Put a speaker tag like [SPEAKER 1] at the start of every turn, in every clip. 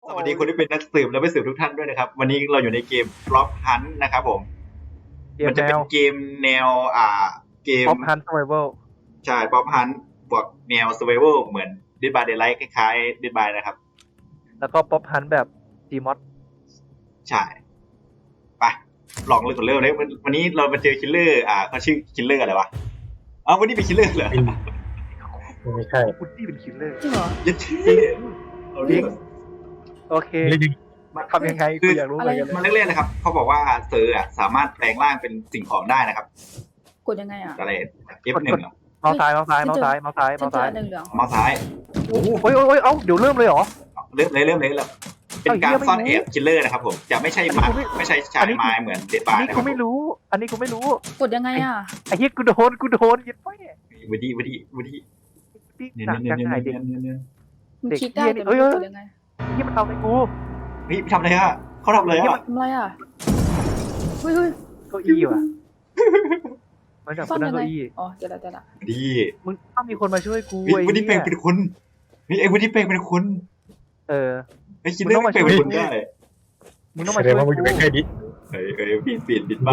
[SPEAKER 1] สวัสดีคนที่เป็นนักสืบและไม่สืบทุกท่านด้วยนะครับวันนี้เราอยู่ในเกม Prop Hunt นะครับผมมันจะเป็นเกมแนวเกม
[SPEAKER 2] Prop Hunt Survival
[SPEAKER 1] ใช่ Prop Hunt บวกแนว Survival เหมือน Dead by Daylight คล้ายๆ Dead by นะครับ
[SPEAKER 2] แล้วก็ Prop Hunt แบบ Gmod
[SPEAKER 1] ใช่ไปลองเลยก่อนเริ่มเลยวันนี้เรามาเจอคิลเลอร์เขาชื่อคิลเลอร์อะไรวะวันนี้เป็นคิลเลอร์เหรอ
[SPEAKER 3] ไม่ใช่
[SPEAKER 2] คุณที่เป็นคิลเลอร์
[SPEAKER 4] จริงเหรอ
[SPEAKER 1] ยัดเท่
[SPEAKER 2] โอเคมาทำยังไงกูอยากรู้เหมือนกัน
[SPEAKER 1] มันเล่นๆนะครับเขาบอกว่าเซอร์สามารถแปลงร่างเป็นสิ่งของได้นะครับ
[SPEAKER 4] กดยังไงอ่ะ
[SPEAKER 1] อะไร F1 เหรอ
[SPEAKER 2] เมาส์ซ้ายเมาส์ซ้ายเมาส์ซ้ายเมาส์ซ้าย
[SPEAKER 4] ฉั
[SPEAKER 2] เมาน ส์ซ้าย
[SPEAKER 4] เจออันเหลือง
[SPEAKER 1] เมาส์ซ้าย
[SPEAKER 2] โอ้ยเอ้าเดี๋ยวเริ่มเลยเหรอ
[SPEAKER 1] เริ่มเลยเป็นการซ่อนแอบคิลเลอร์นะครับผมจะไม่ใช่มาไม่ใช่ชายไม้เหมือนเดดบา
[SPEAKER 2] อัน
[SPEAKER 1] ร์
[SPEAKER 2] นี้
[SPEAKER 1] นะค
[SPEAKER 2] กู
[SPEAKER 1] รับ
[SPEAKER 2] ไม่รู้อันนี้กูไม่รู้
[SPEAKER 4] กดยังไงอ่ะ
[SPEAKER 2] ไอ้เหี้ยกูโดนยึดไปเนี่ย
[SPEAKER 1] วูดี้
[SPEAKER 2] หนักจังไงเด็ก
[SPEAKER 4] มันคลิกได้
[SPEAKER 2] เด็ก
[SPEAKER 4] แต่
[SPEAKER 2] เหี้
[SPEAKER 4] ไม่
[SPEAKER 2] ย
[SPEAKER 4] รู้กดยังไง
[SPEAKER 2] ที่มันทำอะไรกู
[SPEAKER 1] เฮ้ยทำอะไรอะเขาทำอะไรอะ
[SPEAKER 4] ทำอะไรอ่ะเฮ้ย
[SPEAKER 2] เก้าอี้ว่ะมันจับ
[SPEAKER 4] ซ่อ
[SPEAKER 2] กู
[SPEAKER 4] น
[SPEAKER 2] นั่
[SPEAKER 4] ยัง ง
[SPEAKER 2] เก้า
[SPEAKER 4] ไง
[SPEAKER 2] อี้
[SPEAKER 4] อ๋อเดี๋ยวละ
[SPEAKER 1] ดี
[SPEAKER 2] มึงต้องมีคนมาช่วยกู
[SPEAKER 1] เฮ้ยวูดี้เป็นคนไอ้วูดี้เป็นคน
[SPEAKER 2] เออ
[SPEAKER 1] ไอ้คิลเลอร์เป็นคนได้
[SPEAKER 2] มึงต้อง
[SPEAKER 3] แส
[SPEAKER 2] มา
[SPEAKER 3] ด
[SPEAKER 2] ช่
[SPEAKER 3] ง
[SPEAKER 2] วย
[SPEAKER 3] ว่ามึงอยู่ใกล้ๆดิ
[SPEAKER 1] เฮ้ยปิดบ้า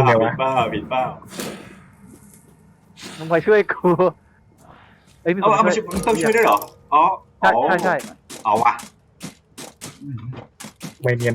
[SPEAKER 2] มึงมาช่วยกูเอ้ยมีคน
[SPEAKER 1] เอามา
[SPEAKER 2] ช่วย
[SPEAKER 1] มันต้องช่วยด้วยเหรออ๋อ
[SPEAKER 2] ใช่
[SPEAKER 1] เอาวะ
[SPEAKER 3] ไม่เนียน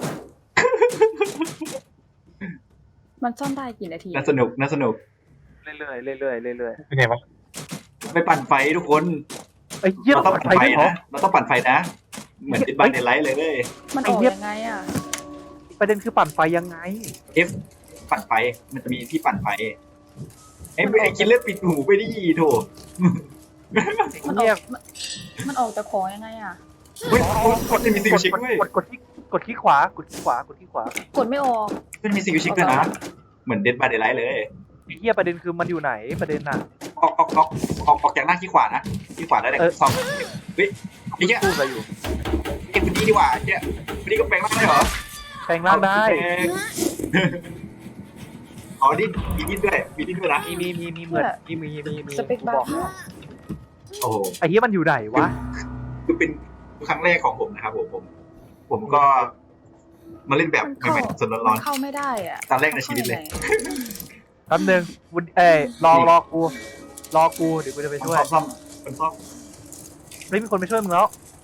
[SPEAKER 4] มันซ่อนได้กี่นาที
[SPEAKER 1] น่าสนุก
[SPEAKER 2] เรื่อยๆ
[SPEAKER 3] เป็นไงวะ
[SPEAKER 1] ไปปั่นไฟทุกคน
[SPEAKER 2] ไอ้เหี้ย
[SPEAKER 1] เราต้อง
[SPEAKER 2] ปั่น
[SPEAKER 1] ปั่น
[SPEAKER 2] ไฟ
[SPEAKER 1] ไฟ
[SPEAKER 2] ด้วยเหรอ
[SPEAKER 1] นะเราต้องปั่นไฟนะเหมือนติดบ้านในไลท์เลย
[SPEAKER 4] มันออกยังไงอ่ะ
[SPEAKER 2] ประเด็นคือปั่นไฟยังไง
[SPEAKER 1] F ปั่นไฟมันจะมีที่ปั่นไฟไอ้คิลเลอร์ปิดหูไปดิโถ
[SPEAKER 4] มันอ
[SPEAKER 2] เรีย
[SPEAKER 4] อก กมันออกจากของยังไงอ่ะ
[SPEAKER 1] เฮ้ยมันจะมีซิลชิกด้วย
[SPEAKER 2] กดที่ขวากดที่ขวา
[SPEAKER 4] กดไม่ออก
[SPEAKER 1] มันมีซิลชิกด้วยนะเหมือนเดดบาร์เดย์ไลท์เลย
[SPEAKER 2] ไอ้เหี้ยประเด็นคือมันอยู่ไหนประเด็นน่ะ
[SPEAKER 1] ออกจากหน้าขี้ขวานะขี้ขวาได้เลยสองเฮ้ยไอ้เหี้ย
[SPEAKER 2] พูดอะไรอยู่
[SPEAKER 1] ไอ้คนนี้ดีกว่าเนี่ยคนนี้ก็แปลงร่างได้เหรอ
[SPEAKER 2] แปลงร่างได้
[SPEAKER 1] อ๋อดิ้นมีดิ้นด้วยนะ
[SPEAKER 2] มีเหมือนมี
[SPEAKER 4] สเปคบาร์
[SPEAKER 1] โอ้โห
[SPEAKER 2] ไอ้เหี้ยมันอยู่ไหนวะ
[SPEAKER 1] คือเป็นครั้งแรกของผมนะครับผมก็มาเล่นแบบ
[SPEAKER 4] มัน
[SPEAKER 1] ใหม่ๆสดร้อน
[SPEAKER 4] เข้าไม่ได้อ่ะ
[SPEAKER 1] ๆตอนแรกในชีวิตเลย
[SPEAKER 2] แป๊บนึงวุ้นรอกูเดี๋ยวกูจะไปช่วย
[SPEAKER 1] ซ่อม
[SPEAKER 2] ไม่มีคนไปช่วยมึงแล้ว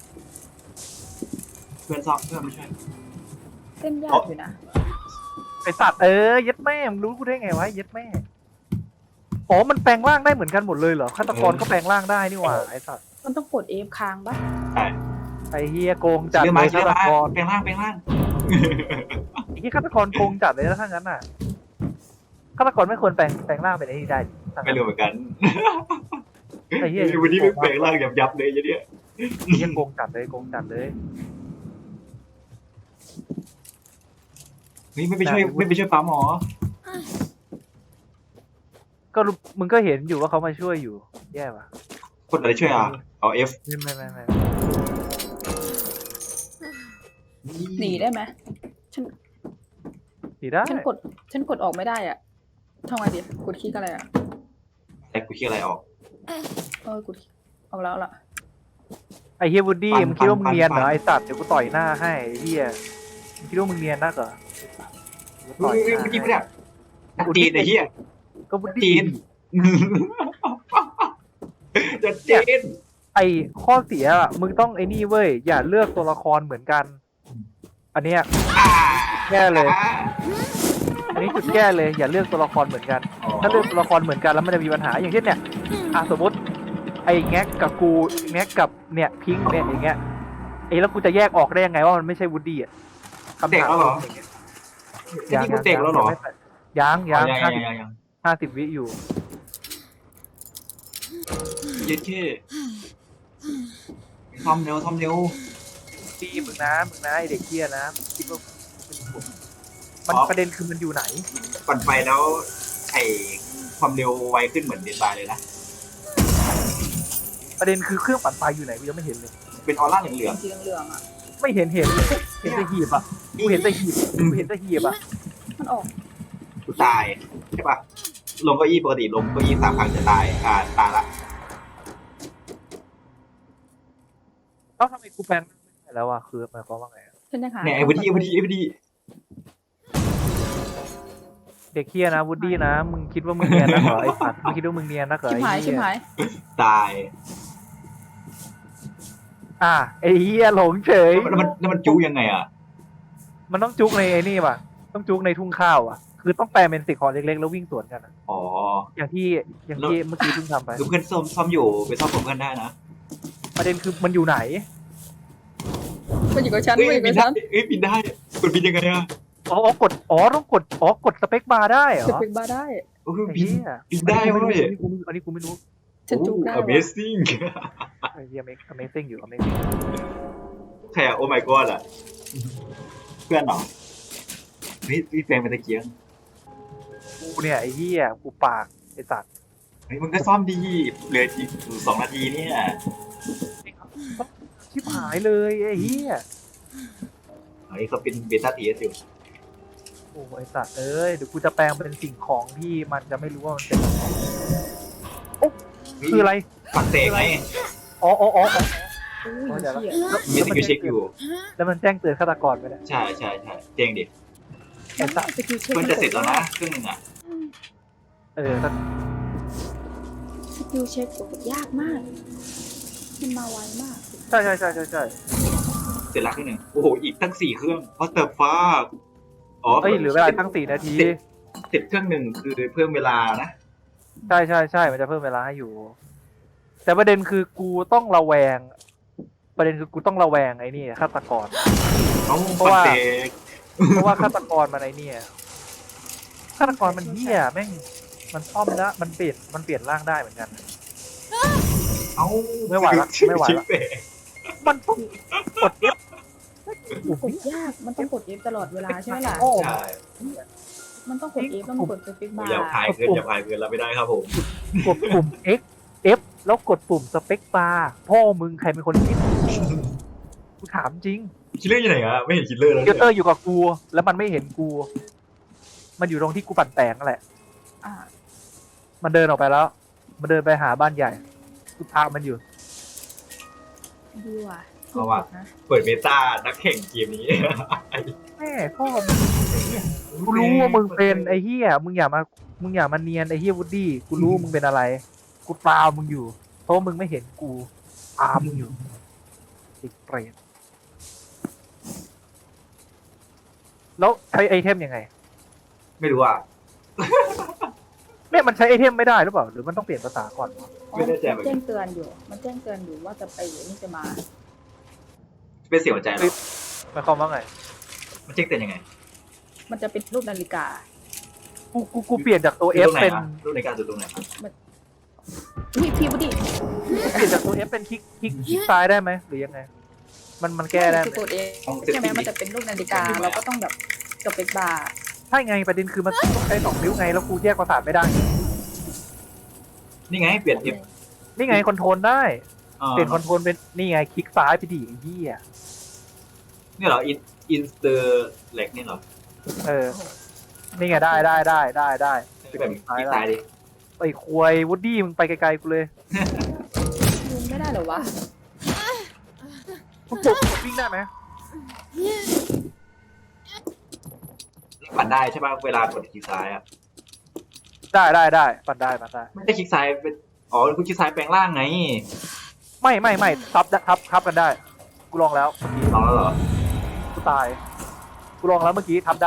[SPEAKER 1] เพื่อนซ่อมเพื่อนไม่ใช่
[SPEAKER 4] เต้นยากอยู่นะ
[SPEAKER 2] ไอสัตว์เย็ดแม่มึงรู้กูได้ไงวะเย็ดแม่อ๋อมันแปลงร่างได้เหมือนกันหมดเลยเหรอฆาตกรก็แปลงร่างได้นี่หว่าไอสัตว์
[SPEAKER 4] มันต้องกด F ค้างปะ
[SPEAKER 1] ใช่
[SPEAKER 2] ไอเฮียโกงจัด
[SPEAKER 1] เรื่อง
[SPEAKER 2] เล
[SPEAKER 1] มาย
[SPEAKER 2] ฆาตกร
[SPEAKER 1] แปลงร่าง
[SPEAKER 2] ไอ้เฮียฆาตกรโกงจัดเลยนะถ้างั้นน่ะฆาตกรไม่ควรแปลงร่างเป็นไอ้นี่ได้
[SPEAKER 1] ไม่รู้เหมือนกัน
[SPEAKER 2] ไอ้เฮีย
[SPEAKER 1] วันนี้ไม่แปลงร่างยับเลยเนี่ย
[SPEAKER 2] เฮียโกงจัดเลย
[SPEAKER 1] นี่ไม่ไปช่วยป้าหมอ
[SPEAKER 2] ก็มึงก็เห็นอยู่ว่าเขามาช่วยอยู่แย่ปะ
[SPEAKER 1] คนอะไรช่วยเอา F
[SPEAKER 2] ไม่
[SPEAKER 4] หนีได้ไหมฉัน
[SPEAKER 2] ดีได้
[SPEAKER 4] ฉันกดออกไม่ได้อ่ะทำไงดีกดคลิกอะไรอ่ะ
[SPEAKER 1] แต่กูคิดอะไรออก
[SPEAKER 4] กดออกแล้วล่ะ
[SPEAKER 2] ไอ้เฮียวูดดี้
[SPEAKER 1] ปั่น
[SPEAKER 2] มึงคิดว่ามึงเนียนเหรอ
[SPEAKER 1] ปั่น
[SPEAKER 2] ไอ้สัตว์เดี๋ยวกูต่อยหน้าให้ไอ้เฮียมึงคิดว่ามึงเนียนนักเหรอต่อยหน้า
[SPEAKER 1] ไม่ดีไม่ได้จีนไอ้เหี้ย
[SPEAKER 2] ก็วูด
[SPEAKER 1] จี
[SPEAKER 2] ดี้
[SPEAKER 1] นจะจีน
[SPEAKER 2] ไอ้ข้อเสียอะมึงต้องไอ้นี่เว้ยอย่าเลือกตัวละครเหมือนกัน อันเนี้ยแก้เลย อันนี้จุดแก้เลยอย่าเลือกตัวละครเหมือนกัน ถ้าเลือกตัวละครเหมือนกันแล้วมันจะมีปัญหาอย่างเช่นเนี่ยสมมติไอ้แง็กกับกูแง็กกับเนี่ยพิงค์เนี่ยอย่างเงี้ยแล้วกูจะแยกออกได้ยังไงว่ามันไม่ใช่วูดดี้อ่ะคำ
[SPEAKER 1] เตะ
[SPEAKER 2] ถาม
[SPEAKER 1] แล้วเหรอนี่กูเตะแล้วเหรอ
[SPEAKER 2] ยัง
[SPEAKER 1] ยัง
[SPEAKER 2] 50 วิอยู่
[SPEAKER 1] ยืดแค่ทำเร็ว
[SPEAKER 2] ดีมึงนะไอเด็กเกี้ยนะคิดว่ามันประเด็นคือมันอยู่ไหน
[SPEAKER 1] ปั่นไฟแล้วไอความเร็วไวขึ้นเหมือนเดนบาร์เลยนะ
[SPEAKER 2] ประเด็นคือเครื่องปั่นไฟอยู่ไหนกูยังไม่เห็นเลย
[SPEAKER 1] เป็นออร่าเหลือง
[SPEAKER 4] สีเหลืองๆอ่ะ
[SPEAKER 2] ไม่เห็นแต่หีบอ่ะกูเห็นแต่หีบอ่ะ
[SPEAKER 4] มันออก
[SPEAKER 1] ๆกูตายใช่ปะลงเก้าอี้ปกติลงเก้าอี้3 ครั้งจะตายตายละ
[SPEAKER 2] แล้วทำไมกูแปลงไม่ได้แล้วว่าคือหมายความว่าไงอะ
[SPEAKER 4] ฉันยังหา
[SPEAKER 1] เนี่ยไอ้วูดดี้
[SPEAKER 2] เด็กเฮียนะวูดดี้นะมึงคิดว่ามึงเนียนนักเหรอไอ้สัตว์มึงคิดว่ามึงเนียนนักเหรอ
[SPEAKER 4] ชิบหาย
[SPEAKER 2] ไอ้
[SPEAKER 4] ชิ
[SPEAKER 2] เหี้
[SPEAKER 4] บ
[SPEAKER 2] ย
[SPEAKER 4] หาย
[SPEAKER 1] ตาย
[SPEAKER 2] ไอ้เฮียหลงเฉย
[SPEAKER 1] แล้วมันจู้ยังไงอ่ะ
[SPEAKER 2] มันต้องจุกในไอ้นี่ป่ะต้องจุกในทุ่งข้าวอ่ะคือต้องแปลเป็นสิ่งของเล็กๆแล้ววิ่งสวนกันอะ
[SPEAKER 1] อ๋อ
[SPEAKER 2] อย่างที่เมื่อกี้เพิ่งทำไป
[SPEAKER 1] ดูเพื่อนซ่อมอยู่ไปซ่อมผมเพื่อนได้นะ
[SPEAKER 2] ประเด็นคือมันอยู่ไหน
[SPEAKER 4] มันอยู่กับฉัน
[SPEAKER 1] เอ้ย
[SPEAKER 4] มันอยู่
[SPEAKER 1] บิ
[SPEAKER 4] กับ
[SPEAKER 1] นได้
[SPEAKER 4] ฉัน
[SPEAKER 1] เอ้ยบินได้กดบินยังไงอ่ะ
[SPEAKER 2] ต้องกดสเปคบาร์ได้เหร
[SPEAKER 4] จะ
[SPEAKER 2] อ
[SPEAKER 4] เป็นบ้าได้
[SPEAKER 1] โอ้ย
[SPEAKER 2] ไอ้
[SPEAKER 1] บิน
[SPEAKER 2] เหี้ย
[SPEAKER 1] บินได้เว้ย
[SPEAKER 2] อันนี้กูไม่รู้
[SPEAKER 4] ฉันจุกได้
[SPEAKER 1] โอ้
[SPEAKER 4] ว่ะ
[SPEAKER 1] Amazing
[SPEAKER 2] ไอ้เหี้ยAmazing อยู่ Amazing
[SPEAKER 1] ใครอ่ะโอ้ my god อ่ะเพื่อนเหรอพี่แฟนเป็นตะเกียง
[SPEAKER 2] กูเนี่ยไอ้เหี้ยกูปากไอ้สัตว์
[SPEAKER 1] เฮ้ยมึงก็ซ่อมดีเหลืออีก2 นาทีเนี่ย
[SPEAKER 2] ชิบหายเลยไอ้เหี้ย
[SPEAKER 1] เฮ้ยเขาเป็นเบต้าทีอยู่
[SPEAKER 2] โอ้ไอ้สัตว์เอ้ยเดี๋ยวกูจะแปลงเป็นสิ่งของที่มันจะไม่รู้ว่ามันเป็นอะไรคืออะไร
[SPEAKER 1] ฝักเตะไง
[SPEAKER 2] อ๋อ
[SPEAKER 4] อุ้ย
[SPEAKER 2] เดี๋ยวละ
[SPEAKER 4] เหี้ย
[SPEAKER 1] มีสกิลเช็คอยู่
[SPEAKER 2] แล้วมันแจ้งเตือนฆาตกรไปแล้ว
[SPEAKER 1] ใช่เจ๋งดิ
[SPEAKER 2] ไอ้สัตว์
[SPEAKER 4] สกิลเช็ค
[SPEAKER 1] เพื่อนจะเสร็จแล้วนะครึ่งหนึงอ่ะ
[SPEAKER 2] ถ้า
[SPEAKER 4] สกิลเช็คกดยากมากมันมาไวมาก
[SPEAKER 2] ใช่
[SPEAKER 1] เสร็จแล้วครึ่งหนึงโอ้โหอีกตั้ง4 เครื่อง What the fuck อ๋อ
[SPEAKER 2] เอ้ยเหลือเวลาตั้ง4 นาที
[SPEAKER 1] เสร็จเครื่องหนึ่งคือเพิ่มเวลานะ
[SPEAKER 2] ใช่มันจะเพิ่มเวลาให้อยู่ แต่ประเด็นคือกูต้องระแวงไอ้นี่ฆาตกร
[SPEAKER 1] เอ้า
[SPEAKER 2] เพราะ
[SPEAKER 1] ฝัก
[SPEAKER 2] ว่า
[SPEAKER 1] เตะ
[SPEAKER 2] เพราะว่าฆาตกรมันไอ้เนี่ยฆาตกรมันเหี้ยแม่งมันซ่อมแล้วมันเปลี่ยนร่างได้เหมือนกัน
[SPEAKER 1] เอ้า
[SPEAKER 2] ไม่ไหวละ มันต้องกด F
[SPEAKER 4] กดยากมันต้องกด F ตลอดเวลาใช่ไหมล่ะ
[SPEAKER 2] โอ้
[SPEAKER 1] ใช่
[SPEAKER 4] มันต้องกด F ต้องกดสปิกบาร์
[SPEAKER 1] อย่าพายเกินเราไม่ได้ครับผม
[SPEAKER 2] กดปุ่ม F แล้วกดปุ่มสเปคบาร์พ่อมึงใครเป็นคนคิดกูถามจริง
[SPEAKER 1] คิลเลอร์อยู่ไหนอะไม่เห็นคิลเลอร์แล้ว
[SPEAKER 2] เกเตอร์อยู่กับกู แล้วมันไม่เห็นกู มันอยู่ตรงที่กูปั่นแตงนั่นแหละ
[SPEAKER 4] อ่า
[SPEAKER 2] มันเดินออกไปแล้ว มันเดินไปหาบ้านใหญ่กูตามมันอยู่
[SPEAKER 4] ดีว่ะ
[SPEAKER 1] เอาว่ะ
[SPEAKER 4] นะ
[SPEAKER 1] เปิดเมตานักแข่งเกมนี้
[SPEAKER 2] แม่พ่อมึงไอ้เหี้ยกูรู้ว่ามึงเป็นไอ้เหี้ยมึงอย่ามาเนียนไอ้เหี้ยวูดดี้กูรู้ว่ามึงเป็นอะไร กูตามมึงอยู่ เพราะว่ามึงไม่เห็นกูตามมึงอยู่ติดเปรตแล้วใช้ไอเทมยังไง
[SPEAKER 1] ไม่รู้อ่ะ
[SPEAKER 2] เนี่ยมันใช้ไอเทมไม่ได้หรือเปล่า หรือมันต้องเปลี่ยนภาษาก่อนวะ
[SPEAKER 1] ไม่แน่ใจเหมือน
[SPEAKER 4] แจ้
[SPEAKER 1] กั
[SPEAKER 4] ง
[SPEAKER 1] น
[SPEAKER 4] เตือนอยู่ มันแจ้งเตือนอยู่ว่าจะไปนี่จะมา
[SPEAKER 1] เป็นเสียหัวใจเหรอ
[SPEAKER 2] หมายความว่าไง
[SPEAKER 1] มันเช็คเตือนยังไง
[SPEAKER 4] มันจะเป็นรูปนาฬิกา
[SPEAKER 2] กูเปลี่ยนจากตัว F เป็น
[SPEAKER 1] รูปในการจุดตรงไหนครับ
[SPEAKER 4] พี่บุดี
[SPEAKER 2] เปลี่ยนจากตัว F เป็นคลิกซ้ายได้ไหมหรือยังไง มันแก้ได้ไหม
[SPEAKER 4] คือกดเองใช่ไหมมันจะเป็นรูปนาฬิกา เราก็ต้องแบบสเปกบาร์
[SPEAKER 2] ใช่ไงประเด็นคือมันต้องใช้2 นิ้วไงแล้วกูแยกประสาทไม่ได้
[SPEAKER 1] นี่ไงเปลี่ยน F
[SPEAKER 2] นี่ไงคอนโทรลได้
[SPEAKER 1] อ่า
[SPEAKER 2] เปลี่ยนคอนโทรลเป็นนี่ไงคลิกซ้ายไปดิไอ้เหี้ย
[SPEAKER 1] นี่เหรออินสเตอร์เล็กนี่เหรอ
[SPEAKER 2] นี่ไงได้
[SPEAKER 1] ที่แบบคลิกซ้ายดิ
[SPEAKER 2] ไอ้ควยวูดดี้มึงไปไกลๆกูเลย
[SPEAKER 4] ยืนไม่ได้เหรอวะ
[SPEAKER 2] กูกดวิ่งได้ไหม
[SPEAKER 1] ปั่นได้ใช่ป่ะเวลากดคลิกซ้ายอ่ะ
[SPEAKER 2] ได้ปั่นได้
[SPEAKER 1] ไม่ได้คลิกซ้ายเป็นอ๋อคุณคลิกซ้ายแปลงร่างไง
[SPEAKER 2] ไม่ทับกันได้ กูลองแล้ว
[SPEAKER 1] ลองแล้วเหรอ
[SPEAKER 2] กูตาย กูลองแล้วเมื่อกี้ทับได้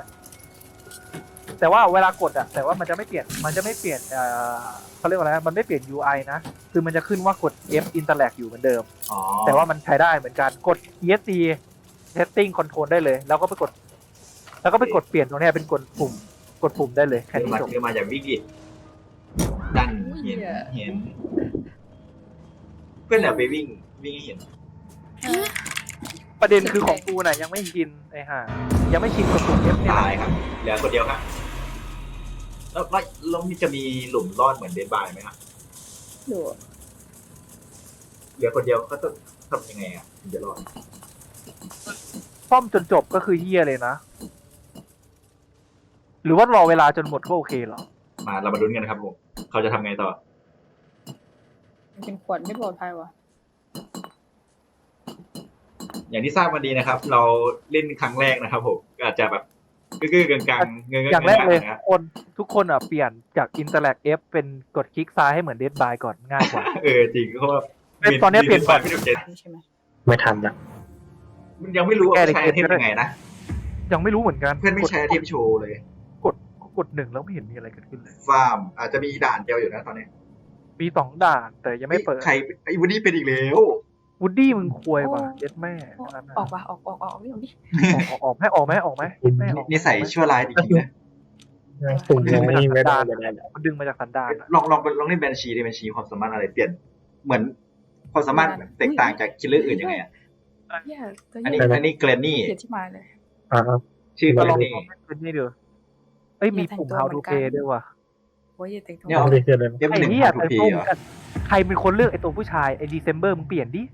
[SPEAKER 2] แต่ว่าเวลากดแต่ว่ามันจะไม่เปลี่ยนเขาเรียกว่าอะไรมันไม่เปลี่ยน UI นะ คือมันจะขึ้นว่ากด F interact อยู่เหมือนเดิม
[SPEAKER 1] อ๋อ
[SPEAKER 2] แต่ว่ามันใช้ได้เหมือนกัน กด ESC setting control ได้เลย แล้วก็ไปกดเปลี่ยนตรงนี้เป็นกดปุ่มได้เลยแค่นี้จบ
[SPEAKER 1] เดี๋ยวมาจากวิกฤตดันเห็น เพื่อนเดี๋ยวไปวิ่งให้เห็น
[SPEAKER 2] ประเด็นคือของกูน่ะยังไม่ชินไอ้ห่ายังไม่ชินกับปุ่ม F เนี่ย
[SPEAKER 1] ตายครับเหลือคนเดียวครับแล้วมีจะมีหลุมรอดเหมือนเดนบายไหมครับ
[SPEAKER 4] ดู
[SPEAKER 1] เหลือคนเดียวเขาจะทำยังไงอ่ะถึงจะรอด
[SPEAKER 2] ซ่อมจนจบก็คือเฮียเลยนะ หรือว่ารอเวลาจนหมดก็โอเคเหรอ
[SPEAKER 1] มาเรามาลุ้นกันนะครับผมเขาจะทำไงต่อ
[SPEAKER 4] มันเป็นขวดไม่ปลอดภัยวะ
[SPEAKER 1] อย่างที่ทราบมาดีนะครับ เราเล่นครั้งแรกนะครับผมก็อาจจะแบบกือกๆกลางๆเงยๆ
[SPEAKER 2] อย่างแรกเลย
[SPEAKER 1] นะ
[SPEAKER 2] ทุกคนอ่ะเปลี่ยนจาก Interact F เป็นกดคลิกซ้ายให้เหมือน Dead by ก่อนง่ายกว่า
[SPEAKER 1] จริงเพราะว่า
[SPEAKER 2] ตอนนี้เปลี่ยนก่อน
[SPEAKER 1] ไม่ถูกใจ
[SPEAKER 4] ใช่ไหม
[SPEAKER 3] ไม่ทันละ
[SPEAKER 1] มันยังไม่รู้ว่า
[SPEAKER 2] แก้
[SPEAKER 1] ใช้
[SPEAKER 2] ใน
[SPEAKER 1] ไอเทม
[SPEAKER 2] เกมก็ได้
[SPEAKER 1] ยังไงนะ
[SPEAKER 2] ยังไม่รู้เหมือนกัน
[SPEAKER 1] เพื่อนไม่ใช้ไอเทมโชว์เลย
[SPEAKER 2] กดหนึ่งแล้วไม่เห็นมีอะไรเกิดขึ้นเลย
[SPEAKER 1] ฟาร์มอาจจะมีด่านเดียวอยู่นะตอนนี้
[SPEAKER 2] มี2 ด่านแต่ยังไม่เปิด
[SPEAKER 1] ใครไอ้วันนี้เป็นอีกแล้ว
[SPEAKER 2] วูดดี้มึงควยว่ะเย็ดแม่
[SPEAKER 4] ออกว่ะออกนี่ออกดิ
[SPEAKER 2] ออกไหมออกไหมไม่ออก
[SPEAKER 1] นิสัยชั่วร้ายจริงๆนะ
[SPEAKER 3] สุ่มยังไม่ได้เลยนะ
[SPEAKER 2] มันดึงมาจากสันดานอะ
[SPEAKER 1] ลองเล่นแบนชีดิแบนชีความสามารถอะไรเปลี่ยนเหมือนความสามารถแตกต่างจากคิลเลอร์อื่นยังไงอ่ะ
[SPEAKER 4] เหี้ยตัว
[SPEAKER 1] อัน
[SPEAKER 4] ให
[SPEAKER 1] นี้
[SPEAKER 4] ญ่
[SPEAKER 1] อันนี้เกรนนี่
[SPEAKER 4] เขียนที่มาเลย
[SPEAKER 3] อ่า
[SPEAKER 1] ชื่อเก
[SPEAKER 2] ก็
[SPEAKER 1] ร
[SPEAKER 2] ลอง
[SPEAKER 1] นนี่
[SPEAKER 2] เป็นนี่ดูเอ้ยมีปุ่ม How to Play ด้วยว่ะ
[SPEAKER 4] โอ้ยอย่าแต่งตัว
[SPEAKER 1] เนี่ย
[SPEAKER 3] ไม่ได้เชื่อเลย
[SPEAKER 1] เล่ม
[SPEAKER 2] ไอ้
[SPEAKER 1] หนึ่ง
[SPEAKER 2] เหี้ย
[SPEAKER 1] ถู
[SPEAKER 2] แต่
[SPEAKER 1] กพี
[SPEAKER 2] ตรง
[SPEAKER 1] เหรอ
[SPEAKER 2] กันใครเป็นคนเลือกไอ้ตัวผู้ชายไอ้ December มึงเปลี่ยนดิ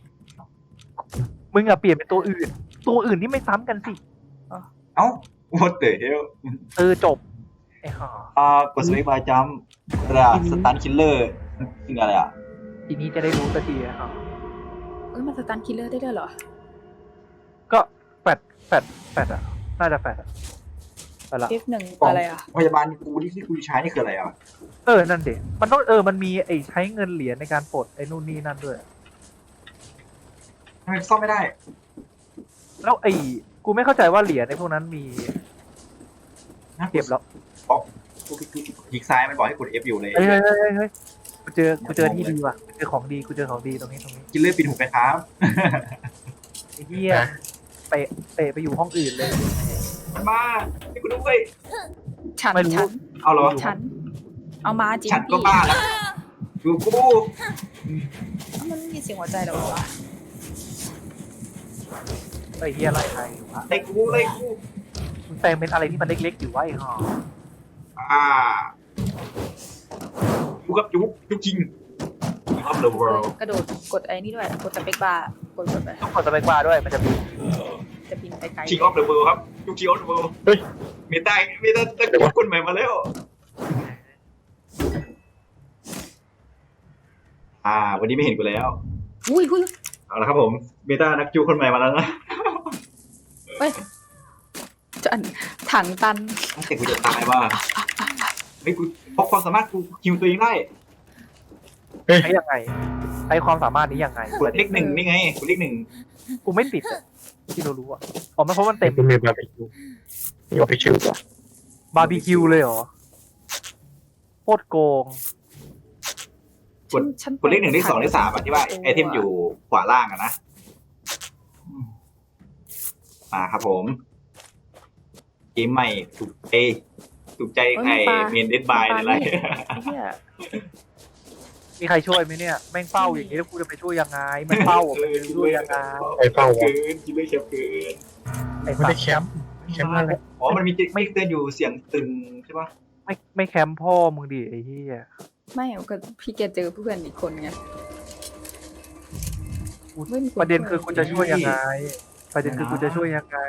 [SPEAKER 2] มึงอะเปลี่ยนเป็นตัวอื่นที่ไม่ซ้ำกันสิ
[SPEAKER 1] เอ้า what the hell
[SPEAKER 2] จบไอ้ห่าก
[SPEAKER 1] ดสวิตช์บายจัมระสตันคิลเลอร์คืออะไรอ่ะ
[SPEAKER 2] ทีนี้จะได้รู้สักทีอะ
[SPEAKER 4] เอ้ยมันสตันคิลเลอร์ได้ด้วยเหรอ
[SPEAKER 2] ก็แฟดอะน่าจะแฟดอะไปละ
[SPEAKER 4] F1
[SPEAKER 1] กล่อง
[SPEAKER 4] อะไรอ่ะ
[SPEAKER 1] พยาบาลกูที่กูใช้นี่คืออะไรอ่ะ
[SPEAKER 2] นั่นเด็มันต้องมันมีไอ้ใช้เงินเหรียญในการปลดไอ้นู่นนี่นั่นด้วย
[SPEAKER 1] ทำไมซ่อมไม่ได้
[SPEAKER 2] แล้วกูไม่เข้าใจว่าเหรียญในพวกนั้นมี
[SPEAKER 1] นะ
[SPEAKER 2] เก็บแล้ว
[SPEAKER 1] กูคลิกซ้ายมันบอกให้กด F อยู่เลย
[SPEAKER 2] เฮ้ยกูเจอที่ดีว่ะกูเจอของดีตรงนี้
[SPEAKER 1] คิลเลอร์ปิดหูไปครับ
[SPEAKER 2] ไอ้เหี้ยเตะไปอยู่ห้องอื่นเลย
[SPEAKER 1] มันมาให้กูด้วย
[SPEAKER 4] ฉัน
[SPEAKER 2] ไม่รู้
[SPEAKER 4] ฉัน
[SPEAKER 1] เอาเหรอ
[SPEAKER 4] ฉัน เอามาจริง
[SPEAKER 1] ฉันก็บ้าแล้วดูกู
[SPEAKER 4] มันไม่มีเสียงหัวใจหรอวะ
[SPEAKER 2] ไอ้เหี้ยไล่ใครวะ
[SPEAKER 1] ไล่กูไล่กู
[SPEAKER 2] มึงแต่งเป็นอะไรที่มันเล็กๆอยู่วะไอ้ห่า
[SPEAKER 1] ยุกับยุกจริง of the world
[SPEAKER 4] กระโดดกดไอ้นี่ด้วย กดสเปคบาร์กดไป
[SPEAKER 2] ต้องกดสเปคบาร์ด้วยมันจะมี
[SPEAKER 4] จะบินไปไกล
[SPEAKER 1] king of the world ครับยุค king of the world
[SPEAKER 3] เฮ้ย
[SPEAKER 1] มีตะกุคนใหม่มาแล้ว วันนี้ไม่เห็นกูแล้ว
[SPEAKER 4] อุ้ย
[SPEAKER 1] เอาละครับผมเบต้านักจูคนใหม่มาแล้วนะ
[SPEAKER 4] เฮ้ยจันถังตัน
[SPEAKER 1] แต่กูจะตายว่าไม่กูพกความสามารถกูคิวตัวเองได้
[SPEAKER 2] ใช้ยังไงใช้ความสามารถนี้ยังไง
[SPEAKER 1] กดเลขหนึ่งนี่ไงกดเลขหนึ่ง
[SPEAKER 2] กูไม่ติดอะที่เรารู้อะอ๋อมันเพราะมันเต็ม
[SPEAKER 3] เป็นมือบาร์บีคิวมีออฟฟิเชียลป่ะ
[SPEAKER 2] บาร์บีคิวเลยเหรอโคตรโกง
[SPEAKER 1] กดเลขหนึ่งเลขสองเลขสามที่ว่าไอเทมอยู่ขวาล่างอะนะมาครับผมเกมใหม่ถูกใจใครเมนเดดบายอะไร
[SPEAKER 4] ไอ้เหี้ย
[SPEAKER 2] มีใครช่วยไหมเนี่ยแม่งเฝ้าอย่างนี้แล้วกูจะไปช่วยยังไงมันเฝ้าอะมันจะช่วยยังไง
[SPEAKER 3] ไอ้เป้าวะ
[SPEAKER 1] เกินคิดเลยแคบเกิน
[SPEAKER 2] ไอ้
[SPEAKER 3] ไม่
[SPEAKER 2] สั
[SPEAKER 3] ได้
[SPEAKER 2] ตว์
[SPEAKER 3] แคมป์อะไร
[SPEAKER 1] อ๋อมันมีไม่เตือนอยู่เสียงตึงใช่ปะ
[SPEAKER 2] ไม่แคมป์พ่อมึงดิไอ้เหี้ย
[SPEAKER 4] ไม่ก็พี่แกเจอเพื่อนอีกคนไง ไม่มีคน
[SPEAKER 2] ประเด็นคือกูจะช่วยยังไงประเด็นคือกูจะช่วยยังไง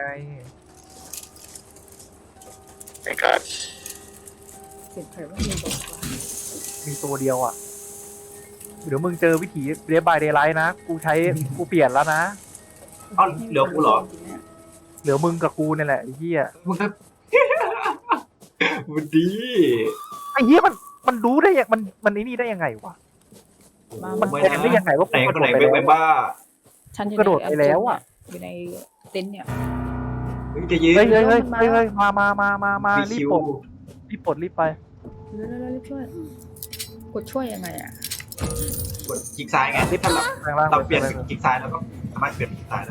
[SPEAKER 3] ไอ้การ
[SPEAKER 4] เสียงใครว่ามีบอกว่า
[SPEAKER 2] มีตัวเดียวอ่ะเดี๋ยวมึงเจอวิถีเดย์บายเดย์ไลท์นะกูเปลี่ยนแล้วนะ
[SPEAKER 1] อ๋อเหลือกูเหรอ
[SPEAKER 2] เหลือมึงกับกูนี่แหละไอ้เหี้ย
[SPEAKER 1] มึงครับมันดี
[SPEAKER 2] ไอ้เหี้ยมันรู้ได้ยังมันไอ้นี่ได้ยังไงวะมันเป็นได้ยังไงว่า
[SPEAKER 1] ไหน
[SPEAKER 2] กู
[SPEAKER 1] คนไหน
[SPEAKER 2] กระโดดไป
[SPEAKER 1] เป็น
[SPEAKER 2] แล้ว
[SPEAKER 1] บ้า
[SPEAKER 4] ฉันอยู่
[SPEAKER 2] กระโดดไปแล้วอะ
[SPEAKER 4] อยู่ในเต็นท์เนี่ย
[SPEAKER 1] มึงจะยืน
[SPEAKER 2] เฮ้ยมารีบ
[SPEAKER 1] คิว
[SPEAKER 2] ปลดรีบไป
[SPEAKER 4] เร็วรีบช่วย กดช่วยยังไงอ่ะ
[SPEAKER 1] กดคลิกซ้ายไง
[SPEAKER 2] รีบ
[SPEAKER 1] ถ้า
[SPEAKER 2] แปลงร่าง
[SPEAKER 1] เราเปลี่ยนเป็นคลิกซ้ายแล้วก็สามารถเปลี่ยนเป็นคลิกซ้ายได้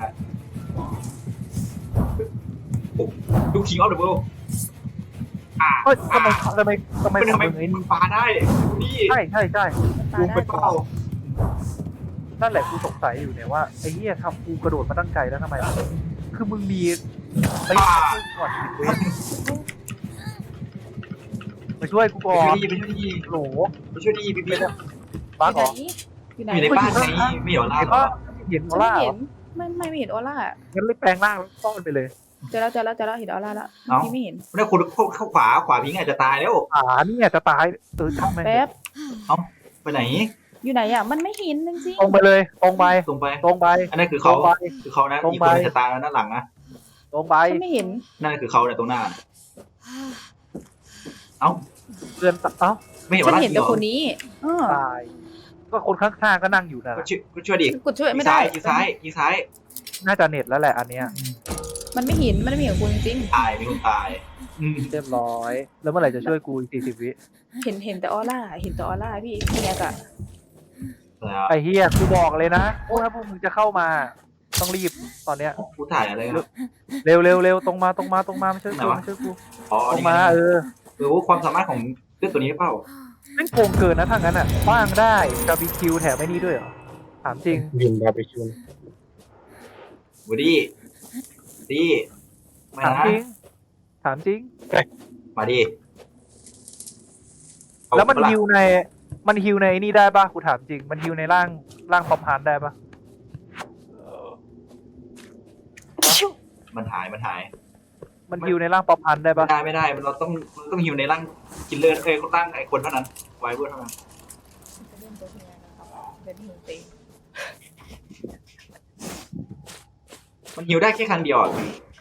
[SPEAKER 1] โอ้ลูกคิงออฟเดอะเวิลด์
[SPEAKER 2] เฮ้ยทำไม
[SPEAKER 1] ทำไม
[SPEAKER 2] มึงไอ้
[SPEAKER 1] มึงปาได้นี่
[SPEAKER 2] ใช่
[SPEAKER 4] ตา
[SPEAKER 1] มึง
[SPEAKER 4] ได้
[SPEAKER 1] ไปเป้า
[SPEAKER 2] นั่นแหละกูสงสัยอยู่เนี่ยว่าไอ้เหี้ยทำกูกระโดดมาตั้งไกลแล้วทำไมคือมึงมีไปก่อนผิดเว้ยมาช่วยกูก่อน
[SPEAKER 1] ไปช่วยดี
[SPEAKER 2] โหล
[SPEAKER 1] ไปช่วยดีไปช่วยดี
[SPEAKER 2] บ้าเหรอ
[SPEAKER 4] อยู่ไหน
[SPEAKER 1] อยู่ในบ้านไงไม่เหรอล่า
[SPEAKER 2] เห็น
[SPEAKER 1] เหรอ
[SPEAKER 2] ว่าเห็นออร่า
[SPEAKER 4] ไม่
[SPEAKER 2] เหร
[SPEAKER 4] เห็
[SPEAKER 2] อน
[SPEAKER 4] ไม่เห็นออร่า
[SPEAKER 2] งั้นเลยแปลงร่างแล้วซ่อนไปเลย
[SPEAKER 4] เจอแล้วเห็นออร่าแล้วพี่ไม่เห็น
[SPEAKER 1] ไม่ได้คนเข้าขวาพิงอาจจะตายแล้ว
[SPEAKER 2] นี่จะตายช่างแม่ง
[SPEAKER 4] แป๊บ
[SPEAKER 1] ไปไหน
[SPEAKER 4] อยู่ไหนอ่ะมันไม่เห็นจริง
[SPEAKER 2] ตรงไปเลยตรงไป
[SPEAKER 1] ตรงไป
[SPEAKER 2] ตรงไป
[SPEAKER 1] อันนั้นคือเขา
[SPEAKER 2] ตรงไป
[SPEAKER 1] คือเขานะ
[SPEAKER 2] ตรง
[SPEAKER 1] อีก
[SPEAKER 2] ไป
[SPEAKER 1] คนจะตายแล้วด้านหลังนะ
[SPEAKER 2] ตรงไป
[SPEAKER 4] ๆฉันไม่เห็น
[SPEAKER 1] นั่นคือเขาเนี่ยตรงหน้า เอ้า
[SPEAKER 2] เพื่อนเอ้า
[SPEAKER 1] ไม่เห็น
[SPEAKER 4] ฉั
[SPEAKER 1] ว่าน ร่าง
[SPEAKER 4] เห็น
[SPEAKER 1] จริ
[SPEAKER 4] แต่
[SPEAKER 1] งเหร
[SPEAKER 4] ค
[SPEAKER 1] อน
[SPEAKER 4] นี้
[SPEAKER 2] ตายก็คนข้างๆก็นั่งอยู่นะ
[SPEAKER 1] ก็ช่วยดิ
[SPEAKER 4] กดช่วย
[SPEAKER 1] ยิ
[SPEAKER 4] ไม่
[SPEAKER 1] ง
[SPEAKER 4] ได้
[SPEAKER 1] ซ้ายยิงซ้ายยิงซ้าย
[SPEAKER 2] น่าจะเน็ตแล้วแหละอันเนี้ย
[SPEAKER 4] มันไม่เห็นคุณจริง
[SPEAKER 1] ตายมีคนตาย
[SPEAKER 2] เรียบร้อย แล้วเมื่อไหร่จะช่วยกูอีก40 วิ
[SPEAKER 4] เห็นแต่ออร่าพี่เนี่ยกะ
[SPEAKER 1] แล้ว
[SPEAKER 2] ไอ้เฮียกูบอกเลยนะถ้าพวกมึงจะเข้ามา ต้องรีบตอนเนี้ย
[SPEAKER 1] กูถ่ายอะไรอ่ะ
[SPEAKER 2] เร็วตรงมาไม่ช่วย
[SPEAKER 1] ไหน
[SPEAKER 2] กู
[SPEAKER 1] วะ
[SPEAKER 2] ไม่ช่วยกู
[SPEAKER 1] อ๋อ
[SPEAKER 2] ตรง
[SPEAKER 1] นี่
[SPEAKER 2] มา
[SPEAKER 1] ไง
[SPEAKER 2] เออ
[SPEAKER 1] ความสามารถของเรื่องตัวนี้หรือเปล่า
[SPEAKER 2] แม่งโกงเกินนะทางนั้นอ่ะคว้างได้กาบีคิวแถมไม่นี่ด้วยเหรอถามจริง
[SPEAKER 3] ยิงบาร์บีคิว
[SPEAKER 1] วูดดี้ดีมา
[SPEAKER 2] ถาม
[SPEAKER 1] นะ
[SPEAKER 2] จริงถามจริง
[SPEAKER 1] มาดิ
[SPEAKER 2] แล้วมัน
[SPEAKER 1] เอา
[SPEAKER 2] ฮิวในนี่ได้ปะกูถามจริง มันฮิวในร่างพอมฮาร์ดได้ปะ
[SPEAKER 1] มันหาย
[SPEAKER 2] มันฮิวในร่างพอมฮาร์ดได้ปะ
[SPEAKER 1] ไม่ได้เราต้องหิวในร่างกินเลือดร่างไอ้คนเท่านั้นไวเวอร์เท่านั้น มันฮิวได้แค่ครั้งเดียวอ่ะ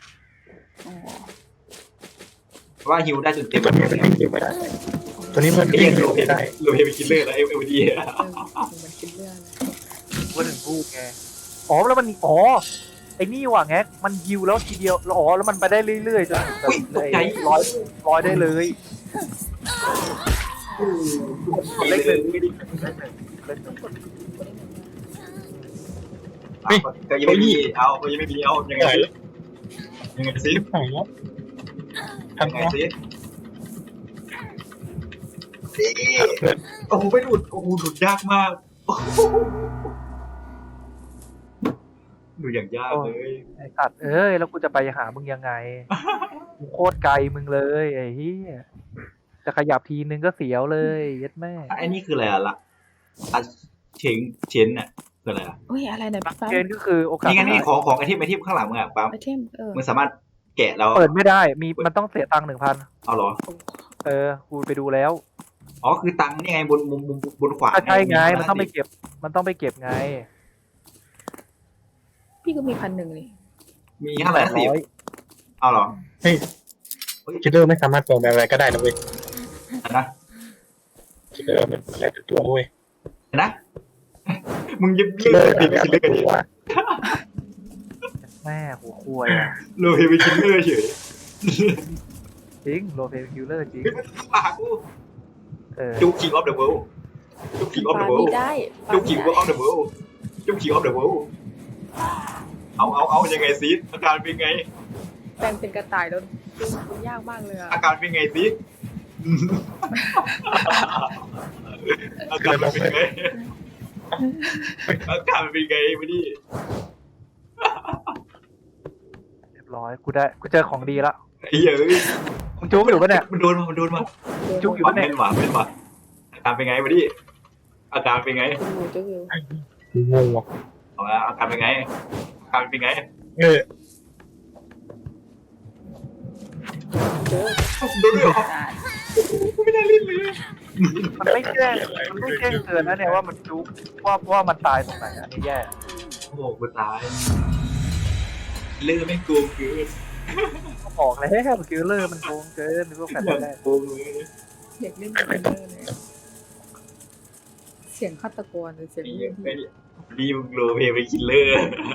[SPEAKER 1] เพราะว่าฮิวได้จนเต็ม
[SPEAKER 3] ตัวนี้มันยิงไม่ได้ตัวนี้มัน
[SPEAKER 1] ก็
[SPEAKER 3] ยิ
[SPEAKER 1] ยัง งโร
[SPEAKER 3] ไม่ได้
[SPEAKER 1] เพไปกินเลือดแล้วเอวดี
[SPEAKER 4] มันคิดเรื่อง
[SPEAKER 2] ว่าถึงพูดไงอ๋อแล้วมันไอ้นี่ว่ะแงกมันฮิวแล้วทีเดียวแล้วมันไปได้เรื่อยๆจนแบบ
[SPEAKER 1] ตกใจ
[SPEAKER 2] ร้อยได้เลย
[SPEAKER 1] เล็กเลย ก็ยังไม่มีเอาก็ยังไม่มีเอายังไงซิ
[SPEAKER 3] ไหนแล้ว
[SPEAKER 1] ยัง
[SPEAKER 3] ทำ
[SPEAKER 1] ไง
[SPEAKER 3] ไง
[SPEAKER 1] ซิโอ้โหไม่หลุดโอ้โหหลุดยากมากดูอย่างยากเลย
[SPEAKER 2] ไอ้สัตว์แล้วกูจะไปหามึงยังไงกูโคตรไกลมึงเลยไอ้เหี้ยจะขยับทีนึงก็เสียวเลยยัดแม่
[SPEAKER 1] ไอ้นี่คืออะไรล่ะเชนน่ะคืออะไรอ่ะ
[SPEAKER 4] อุ้ยอะไรเนี่ยปั๊บ
[SPEAKER 2] เกณฑ์ก็คือโอกาส
[SPEAKER 1] นี่ไงนี่ของไอเทมข้างหลังมึงอ่ะปั๊ม
[SPEAKER 4] ไอเทม
[SPEAKER 1] มึงสามารถแกะแล้ว
[SPEAKER 2] เปิดไม่ได้มันต้องเสียตังค์ 1,000
[SPEAKER 1] เอาเหรอ
[SPEAKER 2] กูไปดูแล้ว
[SPEAKER 1] อ๋อคือตังค์นี่ไงบนขวา
[SPEAKER 2] ใช่ไงมันต้องไปเก็บไง
[SPEAKER 4] พี่ก็มี1,000เลย
[SPEAKER 1] มี510เอาเหรอ
[SPEAKER 3] เฮ้ยคิดเลอร์ไม่สามารถแปลงอะไรก็ได้นะเว้ย
[SPEAKER 1] นะ
[SPEAKER 3] คิดเลอร์มันอะไรตัวเว้ย
[SPEAKER 1] นะมึงยัง
[SPEAKER 3] คิด
[SPEAKER 1] เลื
[SPEAKER 3] เล
[SPEAKER 1] อ
[SPEAKER 3] อร์
[SPEAKER 1] ก
[SPEAKER 3] อะไร
[SPEAKER 1] คิดเลือก
[SPEAKER 3] ตัว
[SPEAKER 2] แม่หัวควาย
[SPEAKER 1] โลเฮไปคิดเลือกเฉย
[SPEAKER 2] จริงโรเฟนคิลเลอร์จริง
[SPEAKER 1] ปากกู จุก King of the World จุก King of
[SPEAKER 4] ปา
[SPEAKER 1] the World
[SPEAKER 4] ไม่ได้
[SPEAKER 1] จุก King of the World จุก King of the World เอายังไงซิอาการเป็นไง
[SPEAKER 4] แปลงเป็นกระต่ายแล้วดูยากมากเลยอะ
[SPEAKER 1] อาการเป็นไงซิอาการเป็นไงอาการเป็นไงมาดิ
[SPEAKER 2] เรียบร้อยกูเจอของดีละ
[SPEAKER 1] ไอ้เหี้ย
[SPEAKER 2] มึงจุกอยู่ปะเนี่ย
[SPEAKER 1] มันโดนมา
[SPEAKER 2] จุกอยู่
[SPEAKER 1] เป็
[SPEAKER 2] ปะเนี่ย
[SPEAKER 1] นหวาอาการเป็นไงมาดิอาการเป็นไง
[SPEAKER 4] จุกอยู่
[SPEAKER 3] งงว่ะ
[SPEAKER 1] เอาละอาการเป็นไงอาการเป็นไง โดนด้วยเหรอไม่ได้ลิ้นเลย
[SPEAKER 2] มันไม่แจ้งเตือนนะเนี่ยว่ามันจุกว่ามันตายตรงไหนอันนี้แย่
[SPEAKER 1] โอ้โหกูตายเลือดไม่โกงเกิน
[SPEAKER 2] ก็บอกแล้วคิลเลอร์มันโกงเกินพวกแฟน
[SPEAKER 1] อย่าง
[SPEAKER 2] แรก
[SPEAKER 1] โกงเลย
[SPEAKER 4] เด็กเล่นคิลเลอร์เลยเสียงฆาตกรหรือเสียง
[SPEAKER 1] นี่
[SPEAKER 4] เรื่อง
[SPEAKER 1] ไม่ดีมึงโรเพไปคิลเลอร์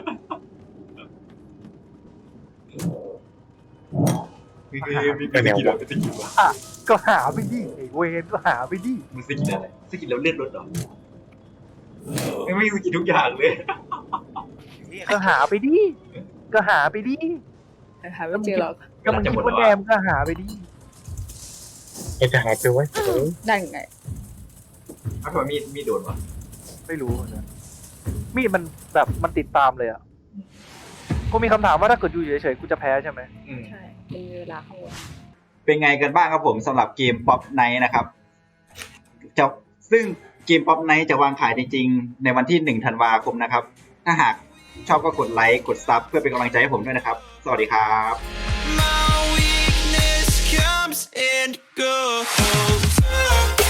[SPEAKER 1] มีสกิลอะไรสกิลวะ
[SPEAKER 2] ก็หาไปดิไอ้เวนก็หาไปดิ
[SPEAKER 1] มึงสกิลอะไรสกิลแล้วเลือดลดเหรอไม่มีสกิลทุกอย่างเลย
[SPEAKER 2] ก็หาไปดิ
[SPEAKER 4] หาไม่เจอหรอก
[SPEAKER 2] ก็มันคิดว่าแดมก็หาไปดิ
[SPEAKER 3] จะหายไปไว้
[SPEAKER 4] ได้ไง
[SPEAKER 1] ถ้าเกิดมีโดนวะ
[SPEAKER 2] ไม่รู้เหมือนกันมีดมันแบบมันติดตามเลยอ่ะกูมีคำถามว่าถ้าเกิดอยู่เฉยๆกูจะแพ้ใช่ไหม
[SPEAKER 4] ใช่มีเวลาเข้า
[SPEAKER 1] เป็นไงกันบ้างครับผมสำหรับเกม Pop Night นะครับซึ่งเกม Pop Night จะวางขายจริงๆในวันที่1 ธันวาคมนะครับถ้าหากชอบก็กดไลค์กดซับเพื่อเป็นกำลังใจให้ผมด้วยนะครับสวัสดีครับ
[SPEAKER 5] My weakness comes and goes.